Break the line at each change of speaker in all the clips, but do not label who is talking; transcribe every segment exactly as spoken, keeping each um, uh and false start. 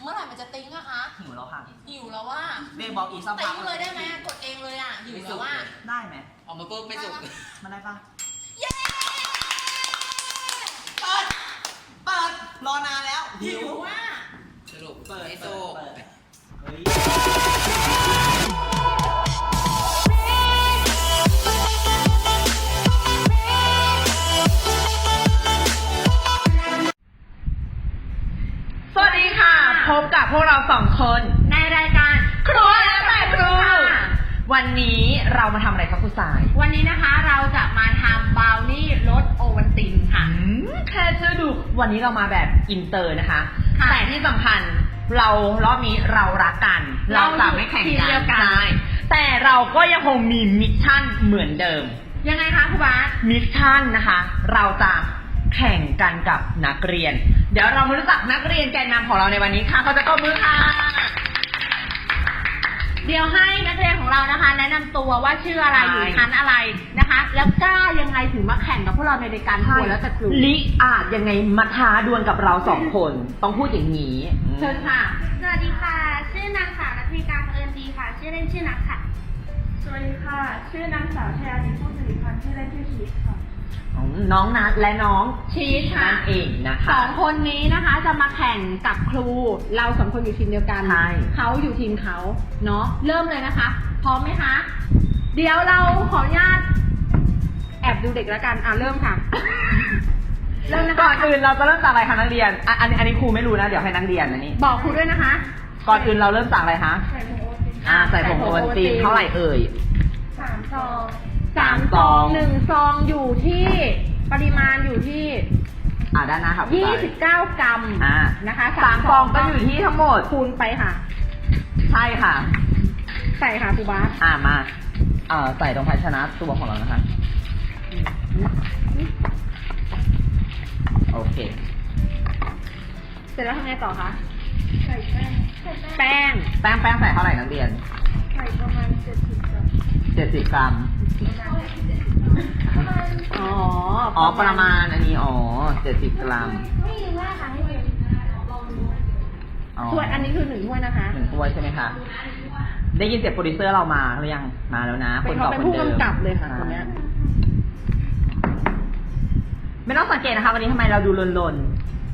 เมื่อไหร่มันจะติ้งอะคะ
หิวแล้วค่ะ
หิวแล้วว่า
เบย์บอกอีกสักพั
ติ้
ก
งเลยได้ไหมกดเองเลยอะหิวแล้วว่า
ได้ไหม
ออกมาปุ๊บไม่สุก
มันได้ปะ
เย้
เปิดเปิดรอนานแล้ว
หิวว่า
สรุป
เปิด
ไม่
เปิ
สุ
ด
ก
เปิดเฮ้ย
สวัสดีค่ะ พบกับพวกเราสองคนในรายการครัวแล้วแต่ครูวันนี้เรามาทำอะไรครับคุณสาย
วันนี้นะคะเราจะมาทำบราวนี่รสโอวัลตินค่ะ
อืมแค่ชื่อดูวันนี้เรามาแบบอินเตอร์นะคะ
ค่ะ
แต่ที่สำคัญเรารอบนี้เรารักกัน เราจะไม่แข่ง
ทีม
กั
เดี
น
ยวกัน
ใช่แต่เราก็ยังคงมีมิชชั่นเหมือนเดิม
ยังไงคะครูบาส
มิชชั่นนะคะ เราจะแข่งกันกับนักเรียน เดี๋ยวเรามารู้จักนักเรียนแกนนำของเราในวันนี้ค่ะเขาจะตบมือค่ะ
เดี๋ยวให้นักเรียนของเรานะคะ แนะนำตัวว่าชื่ออะไร
ใช่
อยู่ชั้นอะไรนะคะ แล้วกล้ายังไงถึงมาแข่งกับพวกเราในรายการครัวแล้วแต่ครู
ลิอาจยังไงมาท้าดวลกับเราสองคน ต้องพูดอย่างนี้
เชิญค่ะ
สวัสดีค่ะ ชื่อนางสาวรัตนิกาเอิญดีค่ะ ชื่อเล่นชื่อนักค่ะ
สวัสดีค่ะ ชื่อนางสาวชยานิผู้สิริพันธ์ชื่อเล่นชื่อชีสค่ะ
น้องนัดและน้อง
ชีสค่ะ
นั่นเองนะ
ส
คะ
องคนนี้นะคะจะมาแข่งกับครู เราสองคนอยู่ทีมเดียวกัน
ใช่
เขาอยู่ทีมเขาเนาะเริ่มเลยนะคะ พร้อมไหมคะ เดี๋ยวเราขออนุญาตแอบดูเด็กแล้วกันอ่ะเริ่มค่ะ เริ่มนะคะ
ก่อนอื่นเราจะเริ่มจากอะไรคะนักเรียนอ่ะอันนี้อันนี้ครูไม่รู้นะเดี๋ยวให้นักเรียนอันนี้
บอกครูด้วยนะคะ
ก่อนอื่นเราเริ่มจากอะไรคะ
ใส่ผงโอติน
อ่าใส่ผงโอวัลตินเท่าไหร่เอ่ย
สามซอง
สามซองหนึ่งซองอยู่ที่ปริมาณอยู่ที่
อ่าด้านหน้าค่ะ
ยี่สิบเก้ากรัม
อ่า
นะคะ
สามซองก็อยู่ที่ทั้งหมด
คูณไปค่ะ
ใช่ค่ะ
ใส่ค่ะครูบาส
อ่ามาเอ่อใส่ตรงภาชนะตัวของเรานะคะ โอเค
เสร็จแล้วทำไงต่อคะ
ใส่แป้งใส่แป้ง
แป้ง
แป้งแป้งใส่เท่าไหร่นักเรียน
ใส่ประมาณเจ็ดสิบกรัม
เจ็ดสิบกรัม
อ๋อ
อ๋อ ประมาณอันนี้ อ๋อเจ็ดสิบกรัม
ไม่รู้ว่าค่ะให้เรียนลองดู
อ๋อ
ถ้วยอันนี้คือหนึ่งถ้วยนะคะ
หนึ่งถ้วยใช่ไหมคะ ได้ยินเสียงโปรดิวเซอร์เรามาหรือยัง มาแล้วนะ
เป็น
ต่
เขาเป็นผู้
ดิม
กำกับเลยค่ะคนเนี้ย
ไม่ต้องสังเกตนะคะ วันนี้ทำไมเราดูลน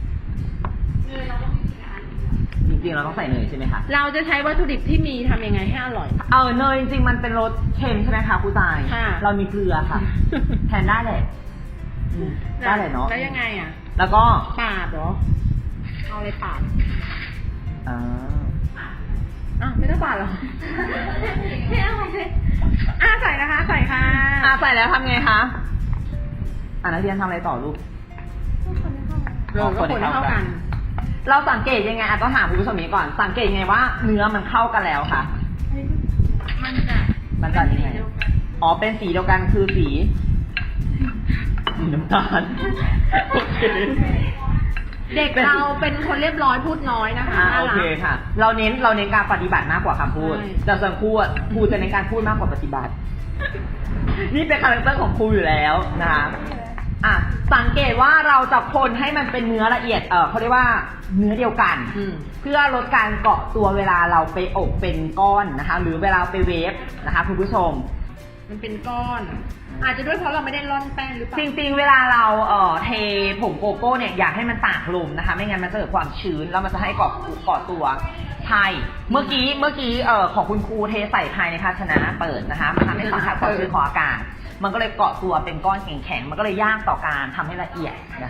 ๆจริงๆ เราต้องใส่เนยใช่ไหมคะ
เราจะใช้วัตถุดิบที่มีทำยังไงให้อร่อย
เออเนยจริงๆ มันเป็นรสเค็มใช่ไหมคะครูตาย
ค่ะ
เรามีเกลือค่ะ แทนได้เลยอืมได้เลยเนาะ
แล้วยังไงอ่ะ
แล้วก็
ปาดเหรอ เอาอะไรปาด
อ่า
อ่ะไม่ต้องปาดเหรอ ไม่เอาเลยอ่ะใส่นะคะ ใส่ค่ะ
อ่ะใส่แล้วทำไงคะอ่ะนักเรียนทำอะไรต่อลูก
เราก็คนให้เข้ากัน
เราสังเกตยังไงอ่ะต้องถามคุณผู้ชมนี้ก่อน สังเกตยังไงว่าเนื้อมันเข้ากันแล้วค่ะ
มันจะ
มันจะยังไง อ๋อ เป็นสีเดียวกันคือสีสีน้ำตาลโอเค
เด็กเราเป็นคนเรียบร้อยพูดน้อยนะคะ
อ่า
น่า
โอ
รั
เค
ก
ค่ะ เราเน้นเราเน้นการปฏิบัติมากกว่าคำพูด
ใช่
แต่ส่วนครูอ่ะครูจะเน้นการพูดมากกว่าปฏิบัติ นี่เป็นคาแรคเตอร์ของครูอยู่แล้วนะคะอ่ะสังเกตว่าเราจะคนให้มันเป็นเนื้อละเอียด เออเขาเรียกว่าเนื้อเดียวกัน
อืม
เพื่อลดการเกาะตัวเวลาเราไปอบเป็นก้อนนะคะ หรือเวลาไปเวฟนะคะคุณผู้ชม
มันเป็นก้อน อาจจะด้วยเพราะเราไม่ได้ร่อนแป้งหรือเปล่า
จริงๆ เวลาเราเอ่อเทผงโกโก้เนี่ยอยากให้มันตากลมนะคะ ไม่งั้นมันจะเกิดความชื้นแล้วมันจะให้เกาะเกาะตัวใช่เมื่อกี้เมื่อกี้เอ่อของคุณครูเทใส่ภายในภาชนะเปิดนะคะมันทำให้สัมผัสความชื้นของอากาศ มันก็เลยเกาะตัวเป็นก้อนแข็งๆมันก็เลยยากต่อการทำให้ละเอียดนะคะ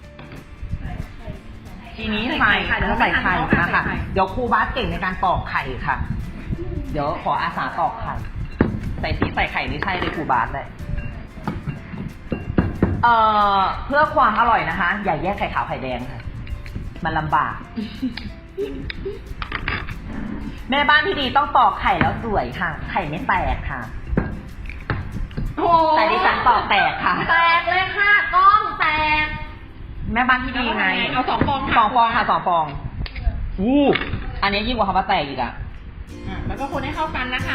ทีนี้ไข่ค่ะเดี๋ยวเราใส่ไข่นะคะเดี๋ยวครูบาสเก่งในการตอกไข่ค่ะ เดี๋ยวขออาสาตอกไข่ใส่สีใส่ไข่นี่ใช่เลยครูบาสเลยเอ่อเพื่อความอร่อยนะคะ อย่าแยกไข่ขาวไข่แดงค่ะ มันลำบาก แม่บ้านที่ดีต้องตอกไข่แล้วสวยค่ะ ไข่ไม่แตกค่ะ
โอ้
แต่ดิฉันตอกแตกค่ะ
แตกเลยค่ะกล้องแตก
แม่บ้านที่ดีไง
เอาสองฟองค่ะ
สองฟองค่ะสองฟองอู้อันนี้ยิ่งกว่าคำว่าแตกอีกอะ
อ่ะแล้วก็คนให้เข้ากันนะคะ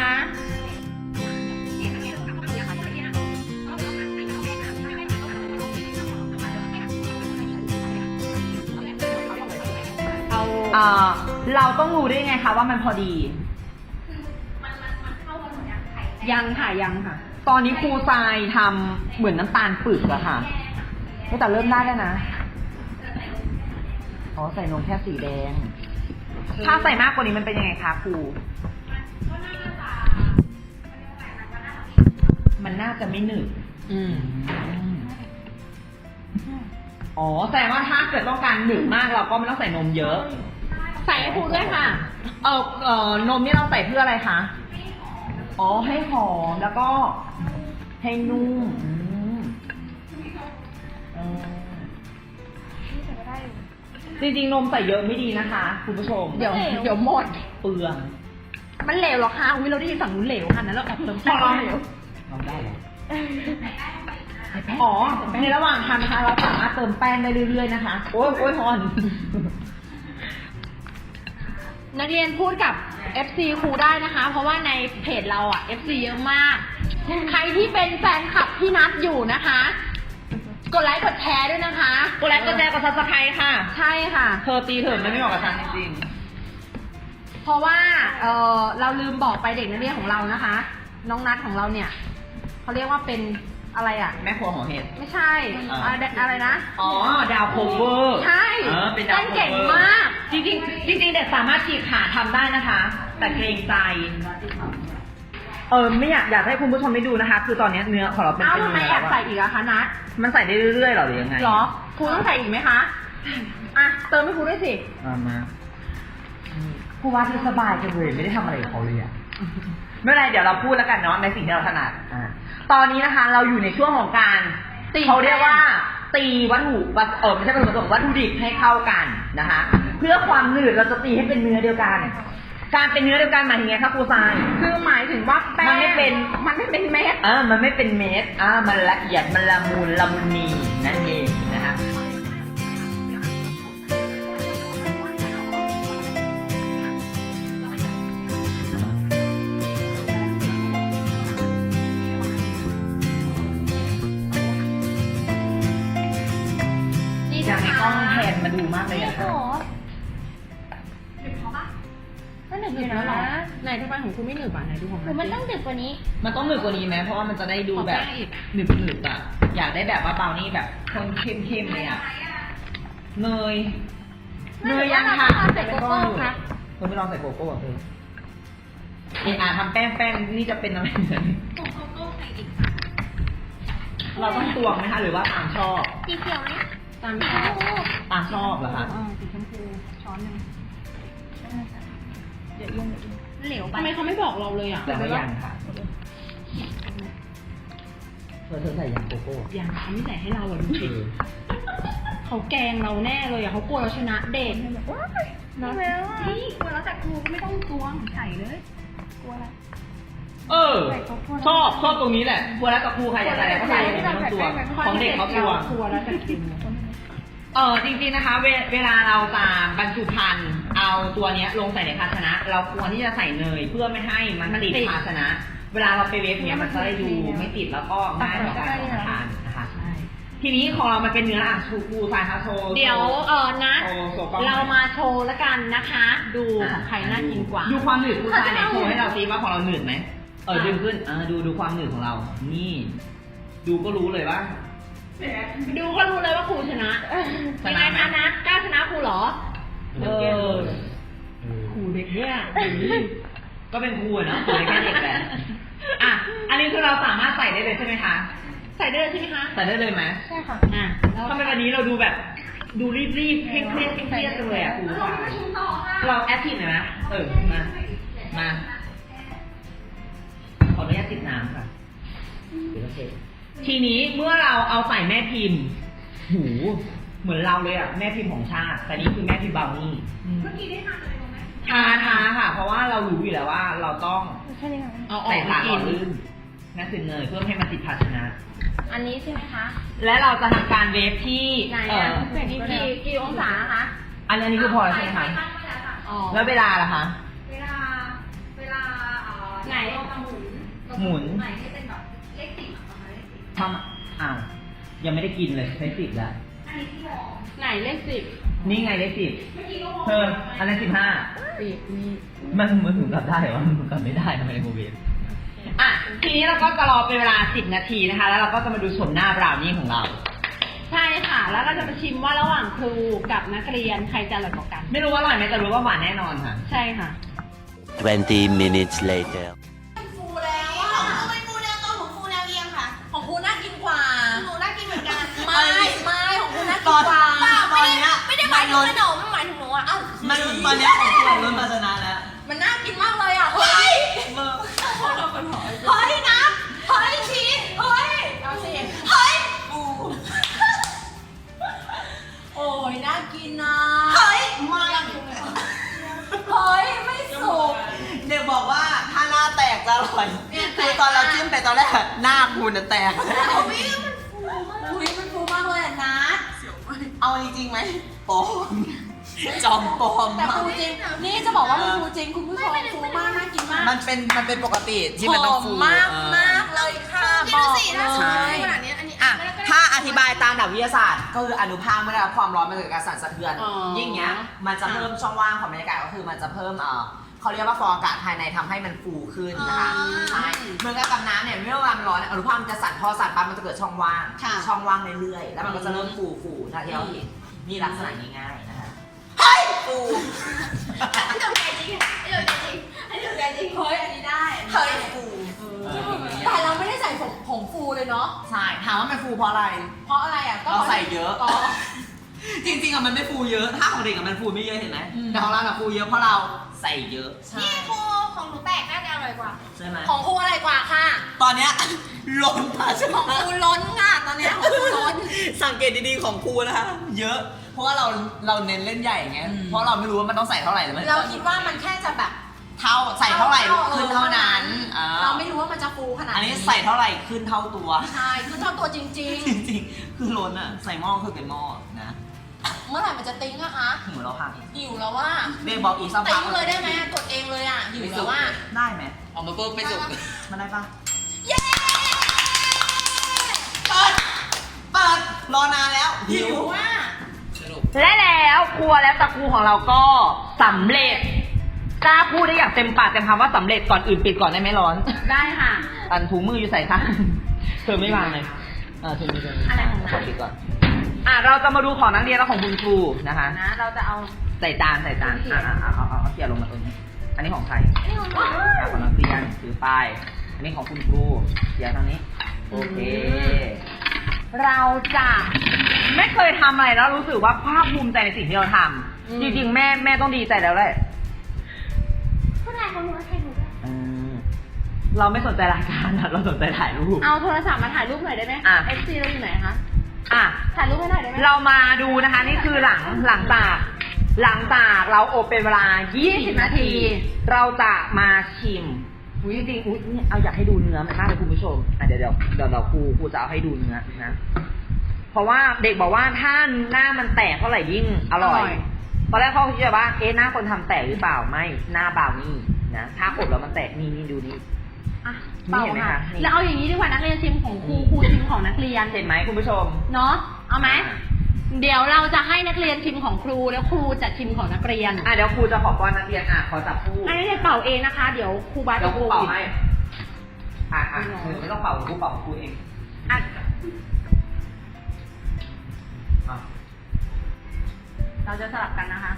เอา
อ่าเราต้องรู้ได้ไงคะว่ามันพอดี
มันมันมันเข้ากันหมดยังไข่
ยังค่ะยังค่ะ
ตอนนี้ครูทรายทำเหมือนน้ำตาลปึกอะค่ะแต่เริ่มได้แล้วนะ อ๋อใส่นมแค่สีแดง ถ้าใส่มากกว่านี้มันเป็นยังไงคะครู
ก็น่าจะ
มันน่าจะไม่หนึบ
อืม
อ๋อแสดงว่าถ้าเกิดต้องการหนึบมากเราก็ไม่ต้องใส่นมเยอะ
ใส่ให้ครูด้วยค่ะ
เออเออนมนี่เราใส่เพื่ออะไรคะ อ๋อให้หอมแล้วก็ให้นุ่มอืมเออจริงๆนมใส่เยอะไม่ดีนะคะคุณผู้ชม
เดี๋ยวเดี๋ยวหมด
เปลือง
มันเหลวเหรอคะอุ้ยเราได้ยินฝั่งนู้นเหลวค่ะนั้นเราแอบเติมแป้งเหลว
ลองได้เหรออ๋อในระหว่างทำนะคะ เราสามารถเติมแป้งได้เรื่อยๆนะคะ โอ้ยโอ้ยฮอน
นักเรียนพูดกับ เอฟ ซี ครูได้นะคะ เพราะว่าในเพจเราอ่ะ เอฟ ซี เยอะมาก ใครที่เป็นแฟนคลับพี่นัทอยู่นะคะ กดไลค์กดแชร์ด้วยนะคะ
กดไลค์กดแชร์กดซับสไครต์ค่ะ
ใช่ค่ะ
เธอตีเถิดมันไม่เหมาะกับฉันจริง
เพราะว่าเออเราลืมบอกไปเด็กนักเรียนของเรานะคะ น้องนัทของเราเนี่ยเขาเรียกว่าเป็นอะไรอ่ะ
ๆแม่ครัวหัวเห็ด
ไม่ใช่
อ่า
อะไรอะไรนะ
อ๋อ ดาวโคเวอร์
ใช่
เออเป็นดาว
เต้น
โคเวอร์
เก่งมาก
จริงๆจริงๆเด็กสามารถฉีกขาทำได้นะคะ แต่เกรงใจ เออไม่อยากอยากให้คุณผู้ชมได้ดูนะคะ คือตอนนี้เนื้อของเราเป็น
เอ้า
เป็น
ทำไม
เนื้อ
แอบ
แล้ว
ใส่
อะ
อีกอะคะนัท
มันใส่ได้เรื่อยๆหรอหรือยังไง
หรอครูต้องใส่อีกไหมคะอ่ะเติมให้ครูด้วยสิ
เอามาครูว่าที่สบายจังเลยไม่ได้ทำอะไรกับเขาเลยอะไม่เป็นไรเดี๋ยวเราพูดแล้วกันเนาะในสิ่งที่เราถนัดอ่าตอนนี้นะคะเราอยู่ในช่วงของการ
ตี
เขาเรียกว่า ตีวัตถุวัตเออไม่ใช่วัตถุประสงค์วัตถุดิบให้เข้ากันนะคะ เพื่อความหนืดเราจะตีให้เป็นเนื้อเดียวกัน การเป็นเนื้อเดียวกันหมายถึงไงครับครูทราย
คือหมายถึงว่าแป้ง
มันไม่เป็น
มันไม่เป็นเม็ด
อ่ามันไม่เป็นเม็ดอ่ามันละเอียดมันละมุนละมุนีนั่นเองนะคะอยากให้กล้องแทนมาดูมากเลยอะค่ะ
ไม่หนึบอยู่นะไหนทำไมของคุณไม่หนึบอ่ะไหนดูของ
หรือมันต้องดึกกว่านี้
มันต้องหนึบกว่านี้ไหมเพราะว่ามันจะได้ดูแบบ
ขอแป้งอีก
หนึบหนึบๆอะอยากได้แบบว่าเบานี่แบบคนเข้มๆเลยอะเนยเนยยังค่ะ
ใส่โกโก้ค่ะ
เธอไม่ลองใส่โกโก้เหรอเธอเอะอ่ะทำแป้งแป้งนี่จะเป็นอะไรเนี่ย
ผงโกโก้ใส่อีก
เราต้องตวงไหมคะหรือว่าตามชอบ
สีเขียวไหม
ตาม
สี
ช
ช
อ
ม
บ
พู
ตามชอบเหรอคะ
อ่าสีชมพูช้อนหนึ่ง
เหลวไป
ทำไมเขาไม่บอกเราเลยอ่ะ
แต่ว่ายังค่ะเธอเธอใส่ยังโกโก้
ยังเขาไม่ใส่ให้เราอ่ะดูสิเขาแกล้งเราแน่เลยอ่ะเขากลัวเราชนะเด็ก
น้องพี่กลัวแล้วแต่ครูก็ไม่ต้องตวงใส่เลยกลัวอะไร
เออ ชอบชอบตรงนี้แหละครัวแล้วกับครูใครอยากใส่อะไรก็ใส่ไม่ต้องตวงของเด็กเขาตวง
กลัวแล้วแต่กิน
เออจริงๆนะคะเวเวลาเราจะบรรจุภัณฑ์เอาตัวเนี้ยลงใส่ในภาชนะ เราควรที่จะใส่เนยเพื่อไม่ให้มันติดภาชนะ เวลาเราไปเวฟเนี้ยมันจะได้ดูไม่ติดแล้วก็ง่ายต่อการรับประทานนะคะทีนี้ของเรามันเป็นเนื้ออ่ะชูคูสายคาโช
เดี๋ยวเออนะ
โชว์โชว์กล้อง
เรามาโชว์แล้วกันนะคะ ดูของใครน่ากินกว่า
ดูความหนืดคูสายไหนโชว์ให้เราซิว่าของเราหนืดไหมเออดึงขึ้นเออดูดูความหนืดของเรา นี่ ดูก็รู้เลยว่า
ดูก็รู้เลยว่าครูชนะ
ช
ยัง
นะ
ไง
ไหม
คะนัทกล้าชนะครูเหรอ
เออ
ครูเด็กเนี่ย
ก็เป็นครูอะเนาะครูแค่เด็กแหละอ่ะอันนี้คือเราสามารถใส่ได้เลยใช่ไหมคะ
ใส่ได้เลยใช่ไหมคะ
ใส่ได้เลยไหม
ใช่ค่ะ
อ่ะ
ทำไมวันนี้เราดูแบบ ดูรีบๆเคร่งเครียดเครียดจังเลยอ่ะครูเราแอคทีฟหน่อยนะเออมามาขออนุญาตติดน้ำค่ะเดี๋ยวเราเช็คทีนี้เมื่อเราเอาใส่แม่พิมพ์หูเหมือนเราเลยอ่ะแม่พิมพ์ของชาติแต่นี่คือแม่พิมพ์บราวนี่
เมื่อกี้ได้ทานอะไรบ้างไหม
ทาทาค่ะ เพราะว่าเรารู้อยู่แล้วว่าเราต้อง
แค่นี้ค่ะ
เอาออ
ใส่
ก
สารห
กิ
ล่อน ลื่นนั่นคือเนยเพื่อให้มันติดภาชนะ
อันนี้ใช่ไหมคะ
และเราจะทำการเวฟที่
ไหน
เอ่
อ่ะ
อ
กี่กี่กี่องศาคะ
อันนี้คือพอแล้วใช่ไหมคะ
อ๋อ
แล้วเวลาล่ะคะ
เวลา เวลาเอ่อ
ไหน
เราจะหมุน
หมุน
ใหม่ให้เป็นแบบเลขสิบอะประมาณเลขสิบ
ทำอ้าวยังไม่ได้กินเลยใช้สิบแล้ว
อันนี้ที่วอร์ม
รไหนเลขสิบ
นี่ไงเลขสิบเธออันนั้นสิบห้า
สิบนี่
มันมันถึงกลับได้เหรอมันถึงกลับไม่ได้ทำไมโมเบลอ่ะทีนี้เราก็จะรอเป็นเวลาสิบนาทีนะคะ แล้วเราก็จะมาดูชมหน้าบราวนี่ของเรา
ใช่ค่ะ แล้วเราจะมาชิมว่าระหว่างครูกับนักเรียนใครจะอร่อยกว่ากัน
ไม่รู้ว่าอร่อยไหมแต่รู้ว่าหวานแน่นอนค่ะ
ใช่ค่ะ
twenty minutes later
ฟูแล้วอ่ะของฟูเป็นฟูแนวตรงของฟูแนวเอียงค่ะ
ของครูน่ากินกว่า
หนูน่ากินเหมือนกัน
ไม่ไม่ของครูน่า
ต
กิ
อน น
กว่า
เปล่า
ตอนเนี้ย
ไม่ได้หมายถึงขนมหมายถึงหนูอ่ะเอ้า
มันตอนเนี้ยของคุณล้นภาชนะแล้ว
มันน่ากินมากเลยอ่ะ เฮ้ย
เมื่อ
เฮ้ยนะเฮ้ยชีสเฮ้ย
เอาสิ
เฮ้ย
ปู
โอ้ยน่ากินนะ
เฮ้ย
ไม่
เฮ้ย ไม่สุก
เด็กบอกว่าถ้าหน้าแตกจะอร่อย
เนี่ยแตก
คือตอนเราจิ้มไปตอนแรกหน้าคุณน่ะแตก
อุ้ยมันฟูมากเลยอ่ะนัด
เอาจริงๆไหมปลอมจอมปลอม
แต่ฟูจริง นี่จะบอกว่ามันฟูจริงคุณผู้ชมฟูมากน่ากินมาก
มันเป็นมันเป็นปกติที่มันต้องฟู
หมมาก
เออ
มากเลยค่ะ
พี่
บ
ดู
อก
สิถ้า
เล
สมมติ
ย
ขนาดนี้อันนี้
อ่ะ
ไม่ได้
ถ้าอธิบายตามหลักวิทยาศาสตร์ ก็คืออนุภาคเมื่อได้รับความร้อนมันเกิดการสั่นสะเทือน
อ๋อ
ยิ่งเงี้ย มันจะเพิ่มช่องว่างของบรรยากาศก็คือมันจะเพิ่มเอ่อเขาเรียกว่าฟองอากาศภายในทำให้มันฟูขึ้นนะคะ
อ๋อ
ใช่เหมือนกับกับน้ำเนี่ยเมื่อเวลามันร้อนเนี่ยอนุภาคมันจะสั่นพอสั่นปั๊บมันจะเกิดช่องว่าง
ค่ะ
ช่องว่างเรื่อยๆแล้วมันก็จะเริ่มฟูฟูๆนะที่เราเห็นนี่ลักษณะง่ายๆนะคะ
เฮ้ย
ฟู
อันนี้ถูกใจจริงอันนี้ถูกใจจริงอันนี้ถูกใจจริง
เฮ้ย อันนี้ได้
เฮ้ยฟู
แต่เราไม่ได้ใส่ผงผงฟูเลยเนาะ
ใช่ถามว่ามันฟูเพราะอะไร
เพราะอะไรอ่ะ ก็
เราใส่เยอะ
อ๋อ
จริงๆอะมันไม่ฟูเยอะ ถ้าของเด็กอะมันฟูไม่เยอะเห็นไหม
อืม
แต่ของเราอะฟูเยอะเพราะเราใส่เยอะ
นี่ครูของหนูแตกน่าจะอร่อยกว่า
ใช่ไหม
ของครูอะไรกว่าค่ะ
ตอนเนี้ย ล้นภาช
ของ
นะ
ครูล้นค่ะ ตอนเนี้ยของครูล้น
สังเกตดีๆของครูนะคะเยอะ เพราะว่าเราเราเน้นเล่นใหญ่ไง
อืม
เพราะเราไม่รู้ว่ามันต้องใส่เท่าไหร่หรือไม่
เราคิดว่ามันแค่จะแบบ
เท่าใส่เท่าไหร่
ออ
ขึ้นเท่านั้นอ่า
เราไม่รู้ว่ามันจะฟูขนาด
อันนี้ใส่เท่าไหร่ขึ้นเท่าตัว
ใช่คือเท่าตัวจริง
จริงๆ คือล้นอะใส่หม้อคือเต็มหม้อนะ
ๆ เมื่อไหร่มันจะติ้งอะคะ
ถึงเราพัง
หิวแล้วว่า
เด็กบอกอีกสักพั
ติ้
ก
งเลยได้ไหมกดเองเลยอะหิวแล้วว่า
ได้ไหม
ออกมาปุ๊บไม่สุก
มันได้ปะ
เย้
เปิดเปิดรอนานแล้ว
หิวว่า
สรุป
และแล้วครัวและตะกูของเราก็สำเร็จกล้าพูดได้อย่างเต็มปากเต็มคำว่าสำเร็จก่อนอื่นปิดก่อนได้ไหมร้อน
ได้ค่ะ
อันถุงมืออยู่ใส่ข้างเธอไม่วางเลยเออถุงมือเธอ
อะไรของเรา
ปิดก่อน อ่ะเราจะมาดูของนักเรียนและของคุณครูนะคะ
นะ เราจะเอา
ใส่จานใส่จานอ่ะอ่ะเอาเอาเอาเขี่ยลงมาตรงนี้ อันนี้ของใคร
นี่ของหนู
อ่ะของนักเรียนถือป้ายอันนี้ของคุณครูเขี่ยทางนี้ โอเค เราจะไม่เคยทำอะไรแล้วรู้สึกว่าภาคภูมิใจในสิ่งที่เราท
อืม
ำจริงๆแม่แม่ต้องดีใจแล้วแหละ
ผู้ชายของหนูใครหนูด้วย
อืมเราไม่สนใจรายการอะเราสนใจถ่ายรูป
เอาโทรศัพท์มาถ่ายรูปหน่อยได้ไหม
อ่ะ
เอฟซีเราอยู่ไหนคะ
อ่ะ
ถ่ายรูปให้หน่อยได้ไหม
เรามาดูนะคะนี่คือหลังหลังจากหลังจากเราอบเป็นเวลา ยี่สิบ นาที เราจะมาชิมอุ้ยจริงๆอุ้ยนี่เอาอยากให้ดูเนื้อมันมากเลยคุณผู้ชมอ่ะเดี๋ยวเดี๋ยวเดี๋ยวเราครูครูจะเอาให้ดูเนื้อนะ เพราะว่าเด็กบอกว่าถ้าหน้ามันแตกเท่าไหร่ยิ่งอร่อยตอนแรกเขาคิดว่าเอ๊ะหน้าคนทำแตกหรือเปล่าไม่หน้าบราวนี่นะถ้าอบแล้วมันแตกนี่นี่ดูนี่
อ่ะ
นี่
เปล่า
เห็นไหม
ค่ะ
คะนี่
แล้วเอาอย่างนี้ดีกว่านักเรียนชิมของครูครูชิมของนักเรียน
เห็นไหมคุณผู้ชม
เนาะ เอาไหม เดี๋ยวเราจะให้นักเรียนชิมของครูแล้วครูจะชิมของนักเรียน
อ่ะเดี๋ยวครูจะขอป้อนนักเรียนอ่ะขอจับคู่
ให้นักเรียนเป่าเองนะคะ เดี๋ยวครูบาส
เดี๋ยวครู
จะ
เป่า
โควิด
ให้อ่ะอ่ะหนูไม่ต้องเป่าครูเป่าของครูเอง
อ่ะ
อ่ะ
เราจะสลับกันนะคะ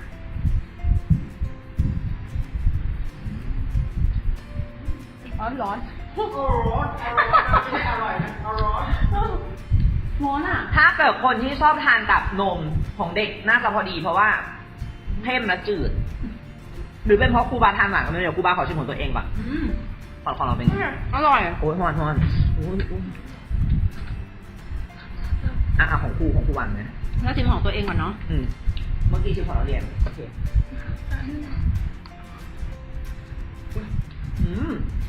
ร้อนร้อนโอ้ร้อนไม่อร่อยนะร้อนร้อนอ่ะ
ถ้าเกิดคนที่ชอบทานกับนมของเด็กน่าจะพอดี เพราะว่าเข้มและจืด หรือเป็นเพราะครูบาทานหวานกันเลยเดี๋ยวครูบาขอชิมของตัวเองก่อน
อืม
ของของเราเป็นไง
อร่อย
โอ้ยฮอนฮอนโอ้ยโอ้ยอ่ะอ่ะของครูของครูหวานไหม
แล้วชิมของตัวเองก่อนเนาะ
อืมเมื่อกี้ชิมของเราเรียนโอเคอืม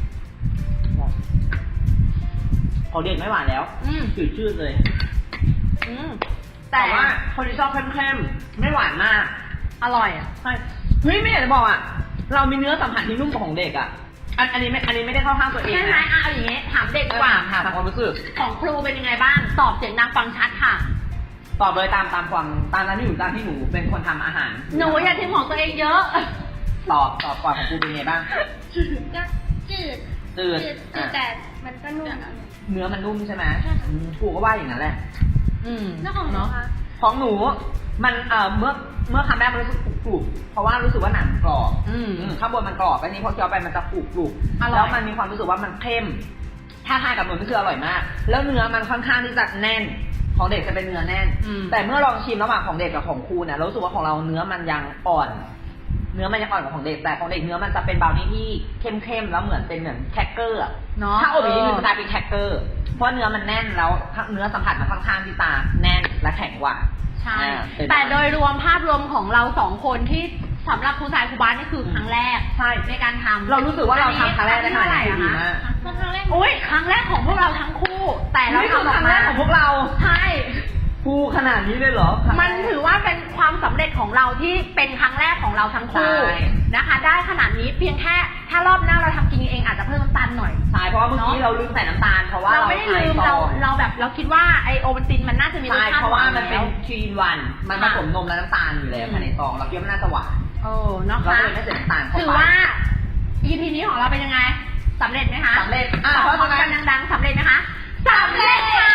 ของเด็กไม่หวานแล้ว
อืม
จืดชืดเลย
อืม
แต่ว่าคนที่ชอบเข้มๆไม่หวานมาก
อร่อยอ่ะ
ใช่เฮ้ยไม่อยากจะบอกอ่ะ เรามีเนื้อสัมผัสที่นุ่มกว่าของเด็กอ่ะ อันอันนี้ไม่อันนี้ไม่ได้เข้าข้างตัวเอง
ใช่ไหม
นะ
อ่ะเอาอย่างงี้ ถามเด็ก
เอ
ดี
อก
ว่า
ถามความรู้สึก
ของครูเป็นยังไงบ้าง ตอบเสียงดังฟังชัดค่ะ
ตอบเลยตามตามความตามนั้นที่หนูตามที่หนูเป็นคนทำอาหาร
หนูอย่าทิ้งของตัวเองเยอะ
ตอบตอบก่อนของครูเป็นไงบ้าง
ก็จืด
จืด
จืด
อ่ะ
แต่มันก็นุ่ม
เนื้อมันนุ่มใช่ไหม
ใช่ค่ะ
อืมครูก็ว่าอย่างนั้นแหละ
อืม
แล้วของหนู
เนาะ
คะ
ของหนูมันเอ่อเมื่อเมื่อคำแรกมันรู้สึกกรุบๆเพราะว่ารู้สึกว่าหนังกรอบ
อืม
อืมข้างบนมันกรอบอันนี้พอเคี้ยวไปมันจะกรุบกรุบ
อร่อย
แล้วมันมีความรู้สึกว่ามันเข้ม ถ้าทานกับหนูนี่คืออร่อยมาก แล้วเนื้อมันค่อนข้างที่จะแน่น ของเด็กจะเป็นเนื้อแน่น
อืม
แต่เมื่อลองชิมระหว่างของเด็กกับของครูเนี่ยเรารู้สึกว่าของเราเนื้อมันยังอ่อน เนื้อมันยังอ่อนกว่าของเด็ก แต่ของเด็กเนื้อมันจะเป็นบราวนี่ที่เข้มๆแล้วเหมือนเป็นเหมือนแครกเกอร์อะ
เนาะ
ถ้าอบอีกนิดนึงจะกลายเป็นแครกเกอร์ เพราะเนื้อมันแน่นแล้วเนื้อสัมผัสมันค่อนข้างที่จะแน่นและแข็งกว่า
ใช่
อ่าเป็น
แต่โดยรวมภาพรวมของเราสองคนที่สำหรับครูสายครูบ้านนี่คือครั้งแรก
ใช่
ในการทำ
เรารู้สึกว่าเราทำครั้งแรกได้ขนาดนี้
อั
ดี
เท่ไหร่
มาก
อะคะ
ก็ครั้งแรก
อุ้ยครั้งแรกของพวกเราทั้งคู่ แต่เรา
นี่คือ
ทำอ
ค
อก
รั้งแร
มาก
ของพวกเรา
ใช่
ครูขนาดนี้เลยเหรอ
มันถือว่าเป็นความสำเร็จของเราที่เป็นครั้งแรกของเราทั้งคู่
ใช่
นะคะ ได้ขนาดนี้เพียงแค่ถ้ารอบหน้าเราทำกินเองอาจจะเพิ่มน้ำตาลหน่อย
ใช่เพราะว่าเมื่อกี้
เนอะ
เราลืมใส่น้ำตาลเพราะว่า
เรา
เรา
ไม่ได้
ใช้
ลืม
ซ
เรา
อง
เราแบบเราคิดว่าไอโอวัลตินมันน่าจะมีรส
ใช่
ชาติ
เพราะว่า
ห
มันเป็น
แล้ว
ทรีนวันมันผสมนมและน้ำตาลอยู่แล้ว
อืม
ภายในซองเราคิดว่ามันน่าจะหวาน
โอ้เนาะ
เรา
คะ
ก็เลยไม่ใส่น้ำตาลเข้าไป
ถือว่า อี พี นี้ของเราเป็นยังไงสำเร็จไหมคะ
สำเร็จอ่ะ
ตอบ
เพราะ
พร้อม
ฉะนั้น
กันดังๆสำเร็จไหมคะสำเร็จค่ะ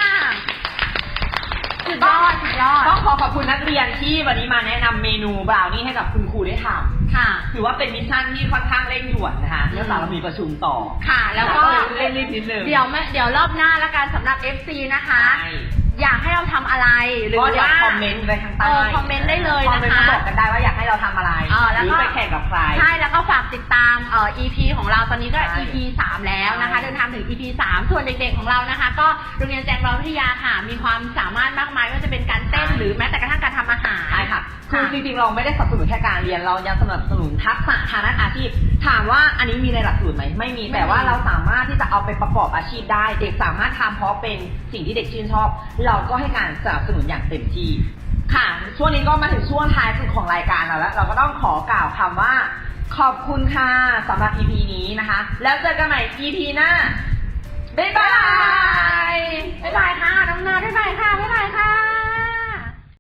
สุดยอดสุดยอด
ต้องขอขอบคุณนักเรียนที่วันนี้มาแนะนำเมนูบราวนี่ให้กับคุณครูได้ท
ค่ะ
ำถือว่าเป็นมิชชั่นที่ค่อนข้างเร่งด่วนนะคะเนื่องจากเรามีประชุมต่อ
ค่ะ แล้วก็
เร่งรีบนิดนึง
เดี๋ยวไม่เดี๋ยวรอบหน้าละกันสำหรับ เอฟ ซี นะคะ
ใช่
อยากให้เราทำอะไรหรือ
ก็เดี๋ยว
ว่า
คอมเมนต์ไว้ข้างใต้
เออคอมเมนต์ได้เลย
คอมเมนต์
นะคะ
มาบอกกันได้ว่าอยากให้เราทำอะไร
เออแล้ว
หรื
ก็
อไปแข่งกับใคร
ใช่แล้วก็ฝากติดตามเอ่อ อี พี ของเราตอนนี้ก็
ใช่
อี พี สาม แล้วนะคะ
ใช่
เดินทางถึง อี พี สาม ส่วนเด็กๆของเรานะคะ ก็โรงเรียนแจงร้อยวิทยาค่ะ มีความสามารถมากมายไม่ว่าจะเป็นการเต้นหรือแม้แต่กระทั่งการทำอาหาร
ใช่ค่ะ คือจริงๆ เราไม่ได้สนับสนุนแค่การเรียน เรายังสนับสนุนทักษะทางด้านอาชีพ ถามว่าอันนี้มีในหลักสูตรไหม ไม่มี แต่ว่าเราสามารถที่จะเอาไปประกอบอาชีพได้ เด็กสามารถทำเพราะเป็นสิ่งที่เด็กชื่นชอบ เราก็ให้การสนับสนุนอย่างเต็มที่ ค่ะ ช่วงนี้ก็มาถึงช่วงท้ายสุดของรายการเราแล้ว เราก็ต้องขอกล่าวคำว่า ขอบคุณค่ะสำหรับ อี พี นี้นะคะ แล้วเจอกันใหม่ อี พี หน้า บ๊ายบาย
บ๊ายบายค่ะน้องนาบ๊ายบายค่ะบ๊ายบายค่ะ